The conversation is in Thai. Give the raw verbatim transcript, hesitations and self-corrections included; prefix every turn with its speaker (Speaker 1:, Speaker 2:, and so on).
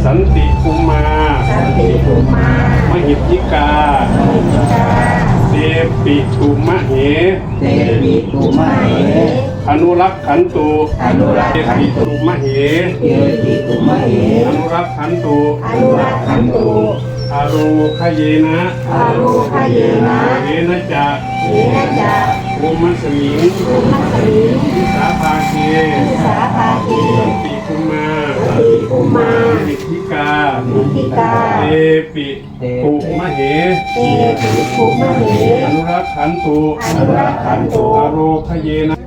Speaker 1: สันติภูมา
Speaker 2: สันติภูมาม
Speaker 1: หิทธิกา
Speaker 2: มิจิกา
Speaker 1: เดปิตุมะเห
Speaker 3: เตปิตุมะเห
Speaker 1: อนุรักขันตุ
Speaker 2: อนุรัก
Speaker 1: เด
Speaker 2: ขัน
Speaker 1: ปิ
Speaker 2: ตุ
Speaker 1: ตุมะเห
Speaker 3: เตปิตุมะเห
Speaker 1: อนุรักขันตุ
Speaker 2: อนุรักขันตุ
Speaker 1: อาโรคเยนะ
Speaker 2: อารูคเยนะ
Speaker 1: เยนะจะ
Speaker 2: เยนะจะ
Speaker 1: โอมัสมิง
Speaker 2: ภูมัสมิง
Speaker 1: วิสาภาเค
Speaker 2: วิสาภาเก
Speaker 1: ปิภูมา
Speaker 2: สันติภูมาม
Speaker 1: หิทธิกา
Speaker 2: มิจิกา
Speaker 1: เดปิตุมะเห
Speaker 2: เตปิภูมะเห
Speaker 1: อนุรักขันตุ
Speaker 2: อนุรักขันตุ
Speaker 1: อาโรคเยนะ